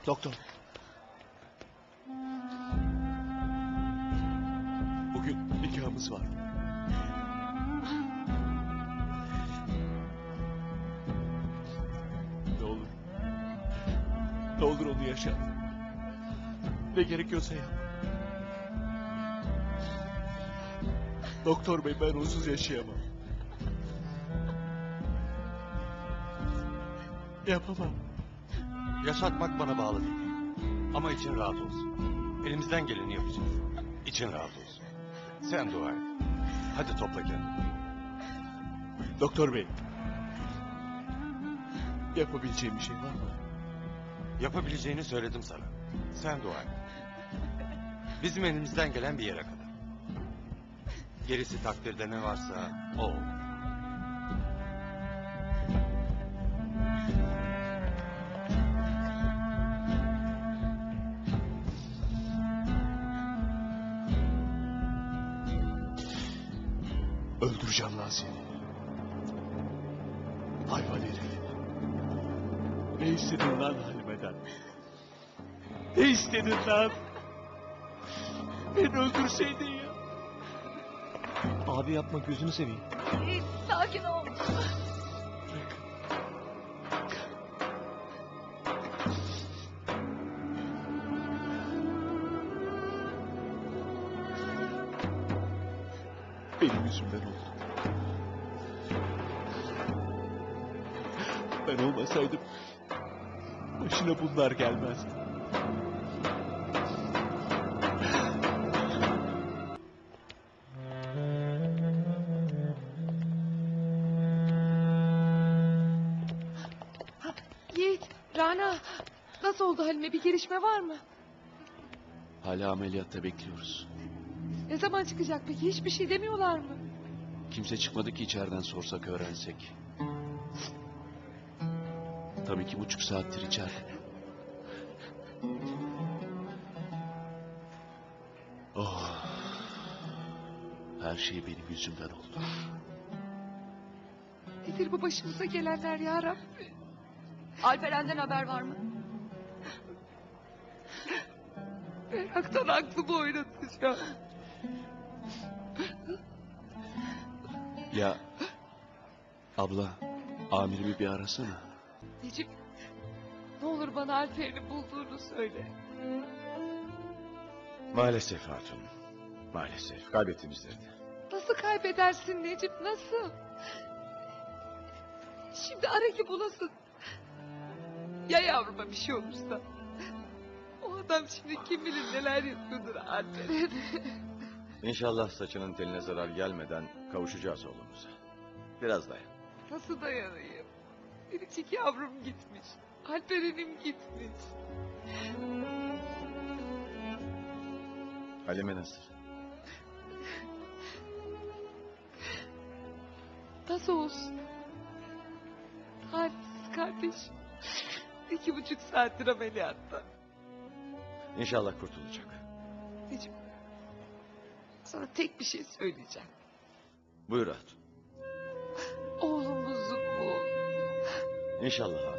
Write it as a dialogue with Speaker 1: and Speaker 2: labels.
Speaker 1: Doktor. Bugün nikahımız var. Ne olur. Ne olur onu yaşa. Ne gerekiyorsa yap. Doktor bey, ben onsuz yaşayamam. Yapamam.
Speaker 2: Yaşatmak bana bağlı değil. Ama için rahat olsun. Elimizden geleni yapacağız. İçin rahat olsun. Sen dua et. Hadi topla kendini.
Speaker 1: Doktor bey. Yapabileceğim bir şey var mı?
Speaker 2: Yapabileceğini söyledim sana. Sen dua et. Bizim elimizden gelen bir yere kadar. Gerisi takdirde ne varsa o olur.
Speaker 1: Öldüreceğim lan seni. Hayvan herif. Ne istedin lan Halime'den? Ne istedin lan? Beni öldürseydin ya. Abi yapma, gözünü seveyim.
Speaker 3: Sakin ol.
Speaker 1: Benim yüzümden oldu. Ben olmasaydım başına bunlar gelmezdi.
Speaker 3: Yiğit, Rana. Nasıl oldu Halime? Bir gelişme var mı?
Speaker 1: Hala ameliyatta bekliyoruz.
Speaker 3: Ne zaman çıkacak peki? Hiçbir şey demiyorlar mı?
Speaker 1: Kimse çıkmadı ki içeriden sorsak öğrensek. Tam 2,5 saattir içeride. Oh. Her şey benim yüzümden oldu.
Speaker 3: Nedir bu başımıza gelenler ya Rabbi?
Speaker 4: Alperen'den haber var mı?
Speaker 3: Meraktan aklımı oynatacağım.
Speaker 1: Ya abla, amirimi bir arasana.
Speaker 3: Necip, ne olur bana Alper'in bulduğunu söyle.
Speaker 5: Maalesef hatun. Maalesef kaybettim izlerini.
Speaker 3: Nasıl kaybedersin Necip, nasıl? Şimdi ara ki bulasın. Ya yavruma bir şey olursa? O adam şimdi kim bilir neler yapıyordur Alper'e.
Speaker 5: İnşallah saçının teline zarar gelmeden kavuşacağız oğlumuza. Biraz dayan.
Speaker 3: Nasıl dayanayım? Biricik yavrum gitmiş. Alperen'im gitmiş.
Speaker 5: Halime nasıl?
Speaker 3: Nasıl olsun? Halsiz kardeş. 2,5 saattir ameliyatta.
Speaker 5: İnşallah kurtulacak.
Speaker 3: Necip, sana tek bir şey söyleyeceğim.
Speaker 5: Buyur hatun.
Speaker 3: Oğlumuzun bu.
Speaker 5: İnşallah hatun.